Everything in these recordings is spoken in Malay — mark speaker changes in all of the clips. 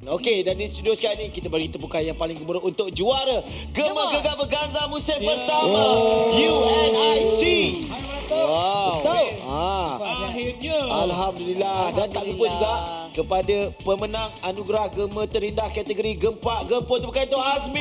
Speaker 1: Okey, dan di studio sekarang ni kita beri tepukan yang paling gemuruh untuk juara Gema Gegar Berganza musim pertama UNIC. Wow.
Speaker 2: Betul.
Speaker 3: Akhirnya.
Speaker 1: Alhamdulillah. Dan tak lupa juga kepada pemenang anugerah Gema Terindah kategori Gempak Gempur, tepukan untuk Azmi.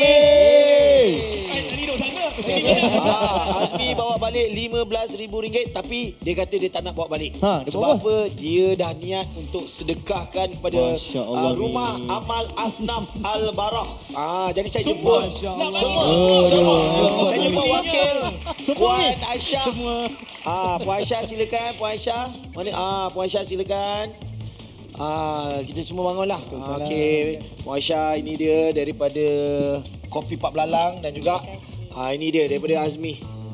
Speaker 3: Tadi duduk sana.
Speaker 1: Azmi bawa balik RM15,000 tapi dia kata dia tak nak bawa balik.
Speaker 2: Dia
Speaker 1: Sebab
Speaker 2: bawa
Speaker 1: apa? Dia dah niat untuk sedekahkan kepada
Speaker 2: Masya Allah,
Speaker 1: rumah
Speaker 2: Mi.
Speaker 1: amal Asnaf Al-Barah. Jadi saya jumpa
Speaker 3: Masya
Speaker 1: semua. Saya jumpa wakil
Speaker 2: Semua ni.
Speaker 1: Puan Aisyah.
Speaker 3: Semua.
Speaker 1: Puan Aisyah silakan. Puan Aisyah. Mana? Puan Aisyah silakan. Kita semua bangunlah. Okey. Puan Aisyah, ini dia daripada Kopi Pak Belalang dan juga ini dia daripada Azmi.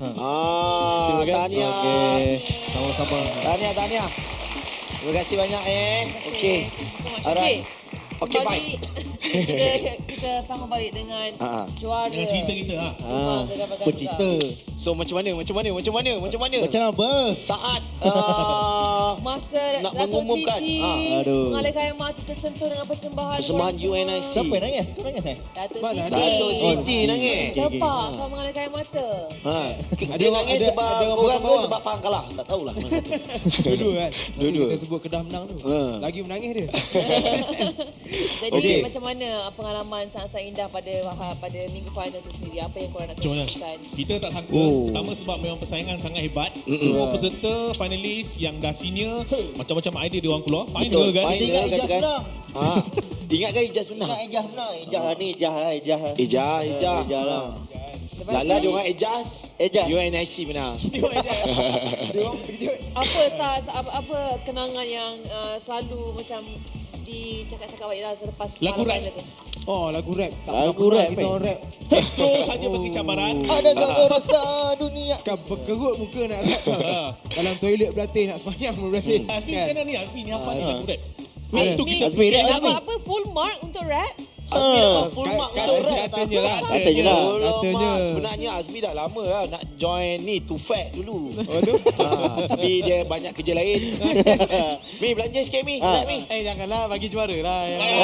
Speaker 1: Tahniah.
Speaker 2: Okey. Sama-sama.
Speaker 1: Tahniah. Terima kasih banyak Okey. Alright. Okey, baik.
Speaker 4: Kita sama balik dengan juara.
Speaker 3: Dengan cerita kita.
Speaker 4: Gema Gegar Berganza.
Speaker 2: Bercerita.
Speaker 1: So macam mana?
Speaker 2: Macam mana?
Speaker 1: Saat
Speaker 4: Masa
Speaker 1: nak
Speaker 4: Dato'
Speaker 1: mengumumkan.
Speaker 4: Siti
Speaker 2: Aduh.
Speaker 4: mengalihkan air mata tersentuh dengan persembahan
Speaker 1: Persembahan
Speaker 4: korang semua.
Speaker 1: UNIC.
Speaker 2: Siapa yang nangis? Kau nangis
Speaker 4: Dato'
Speaker 2: Mana
Speaker 4: Siti.
Speaker 1: Dato' Siti nangis.
Speaker 4: Sepak sama mengalihkan air mata.
Speaker 1: Dia nangis sebab
Speaker 2: ada orang
Speaker 1: orang
Speaker 2: potong
Speaker 1: ke
Speaker 2: bawang.
Speaker 1: sebab Pahang kalah. Tak tahulah.
Speaker 5: Dua-dua kan.
Speaker 1: Dua-dua.
Speaker 5: Kita sebut Kedah menang tu. Lagi menangis dia.
Speaker 4: Jadi macam mana pengalaman sangat-sangat indah pada minggu final tu sendiri? Apa yang korang nak
Speaker 3: Macam mana?
Speaker 4: kongsikan?
Speaker 3: Kita tak sangka. Pertama sebab memang persaingan sangat hebat. Semua peserta, finalis yang dah senior, macam-macam idea dia orang keluar. Final kan?
Speaker 1: Final.
Speaker 2: Ingat Ijaz
Speaker 1: katakan.
Speaker 2: menang.
Speaker 1: Ingat kan Ijaz menang?
Speaker 2: Ingat Ijaz menang. Ijaz lah ni. Ijaz lah. Ijaz lah.
Speaker 4: Lepas
Speaker 1: Lala
Speaker 4: tu,
Speaker 1: dia orang Ijaz.
Speaker 2: Ijaz.
Speaker 1: UNIC menang.
Speaker 5: Dia orang terkejut.
Speaker 4: apa kenangan yang selalu macam dicakap-cakap baik selepas
Speaker 3: Lagu
Speaker 4: final
Speaker 3: rap.
Speaker 4: tu?
Speaker 5: Oh, lagu rap. Tak
Speaker 2: Lagu
Speaker 5: pernah
Speaker 2: rap,
Speaker 5: kita orang rap.
Speaker 3: Astro saja bagi cabaran.
Speaker 2: Adakah kau rasa dunia?
Speaker 5: Kan berkerut muka nak rap tau. Dalam toilet berlatih nak semayang berlatih.
Speaker 3: Azmi kena ni. Azmi ni apa ni lagu rap?
Speaker 5: Ada.
Speaker 3: Itu kita
Speaker 2: Azmi, rap,
Speaker 4: Dapat
Speaker 2: Azmi.
Speaker 4: apa full mark untuk rap?
Speaker 1: Azmi dapat full mark untuk rap.
Speaker 5: Katanya lah.
Speaker 2: Katanya lah.
Speaker 5: Katanya.
Speaker 1: Sebenarnya Azmi dah lama lah nak join ni Too Fat dulu.
Speaker 5: Oh tu?
Speaker 1: Tapi dia banyak kerja lain. Mi belanja sikit Mi. Nak Mi.
Speaker 5: Janganlah bagi juara lah.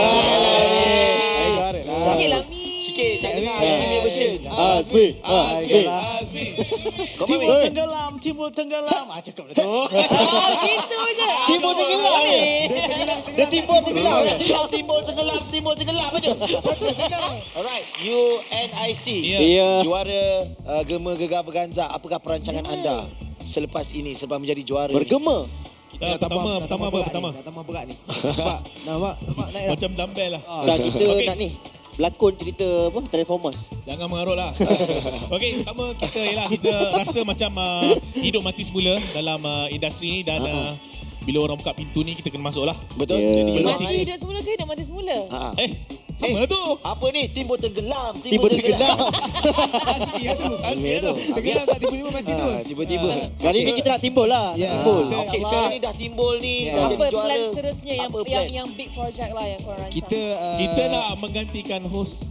Speaker 5: Juara lah.
Speaker 4: Sikit lah Mi.
Speaker 1: Sikit tak dengar Azmi version.
Speaker 2: Azmi.
Speaker 3: Azmi.
Speaker 1: Kau faham Mi?
Speaker 3: Timbul tenggelam. Cakap dah tu.
Speaker 4: Gitu je.
Speaker 2: Timbul tenggelam ni. Dia timbul tenggelam.
Speaker 1: Timbul tenggelam aja. Alright, UNIC.
Speaker 2: Ya.
Speaker 1: Juara Gema Gegar Berganza. Apakah perancangan anda selepas ini sebab menjadi juara ni?
Speaker 2: Bergema.
Speaker 3: Kita pertama apa? Pertama.
Speaker 5: Nak tambah berat ni. Nampak naik dah.
Speaker 3: Macam dumbbell lah.
Speaker 2: Dah kita
Speaker 3: Okey.
Speaker 2: nak ni. Berlakon cerita apa? Transformers.
Speaker 3: Jangan mengarut lah. Okey, pertama kita rasa macam hidup mati semula dalam industri ni dan bila orang buka pintu ni kita kena masuk lah.
Speaker 1: Betul?
Speaker 2: Ya.
Speaker 1: Jadi belum
Speaker 4: Mati hidup semula ke hidup mati semula?
Speaker 3: Sama lah tu.
Speaker 1: Apa ni? Timbul tenggelam.
Speaker 2: Timbul tenggelam.
Speaker 5: Asli lah tu.
Speaker 3: Azmi tu.
Speaker 5: Tenggelam tak tiba-tiba mati tu.
Speaker 1: Tiba-tiba.
Speaker 2: Kali ni kita nak timbul lah.
Speaker 5: Ya.
Speaker 2: Timbul.
Speaker 5: Betul.
Speaker 1: Okey, sekarang ni dah timbul ni.
Speaker 5: Ya.
Speaker 1: Dah
Speaker 4: Apa
Speaker 1: jadi juara.
Speaker 4: plan seterusnya
Speaker 1: Apa plan?
Speaker 4: yang big project lah yang korang rancang?
Speaker 3: Kita nak menggantikan host.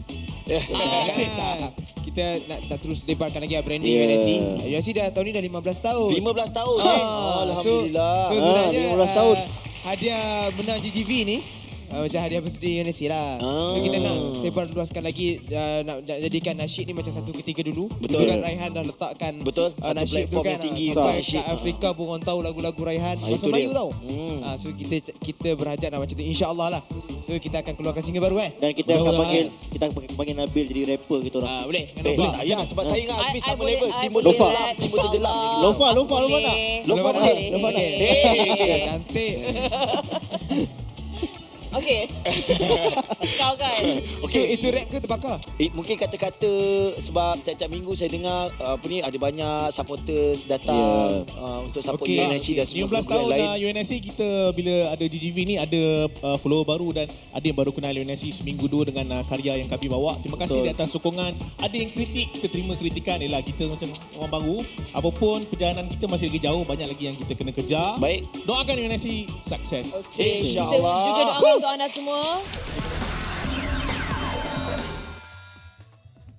Speaker 5: Kita nak terus lebarkan lagi branding
Speaker 2: Ya.
Speaker 5: UNSC. UNSC dah tahun ni dah 15 tahun.
Speaker 1: 15 tahun. Alhamdulillah.
Speaker 5: So sebenarnya
Speaker 2: 15 tahun.
Speaker 5: Hadiah menang GGV ni macam hadiah birthday UNSC lah. So kita nak sebar luaskan lagi nak jadikan nasyid ni macam satu ketiga dulu.
Speaker 1: Betul.
Speaker 5: Dulu kan Raihan dah letakkan
Speaker 1: Betul. Satu
Speaker 5: nasyid tu
Speaker 1: platform
Speaker 5: kan
Speaker 1: yang tinggi
Speaker 5: sampai
Speaker 1: untuk nasyid.
Speaker 5: kat Afrika pun orang tahu lagu-lagu Raihan.
Speaker 1: Itu
Speaker 5: Bahasa Melayu
Speaker 1: dia.
Speaker 5: tau. So kita berhajat nak macam tu insya-Allah lah. So kita akan keluarkan single baru
Speaker 2: Dan kita akan panggil Nabil jadi rapper kita orang.
Speaker 3: Boleh.
Speaker 1: Ya, sebab saya dengan Azmi sama level. Timbul
Speaker 2: Lofa.
Speaker 1: tenggelam. Timbul tenggelam.
Speaker 2: Lofa nak.
Speaker 5: Lofa
Speaker 4: Boleh.
Speaker 5: nak. Cantik.
Speaker 4: Okey. Kau kan.
Speaker 5: Itu rap ke terbakar?
Speaker 1: Mungkin kata-kata sebab tiap-tiap minggu saya dengar ada banyak supporters datang untuk support
Speaker 5: Okey.
Speaker 1: UNIC dan semua
Speaker 3: 15 tahun
Speaker 1: lain.
Speaker 3: UNSC kita bila ada GGV ni ada follower baru dan ada yang baru kenal UNSC seminggu dua dengan karya yang kami bawa. Terima kasih
Speaker 2: Betul.
Speaker 3: di atas sokongan. Ada yang kritik, kita terima kritikan. Yalah kita macam orang baru. Apapun perjalanan kita masih lagi jauh, banyak lagi yang kita kena kejar.
Speaker 1: Baik.
Speaker 3: Doakan UNSC sukses.
Speaker 4: Okey. Kita
Speaker 1: InsyaAllah.
Speaker 4: juga doakan untuk anda semua.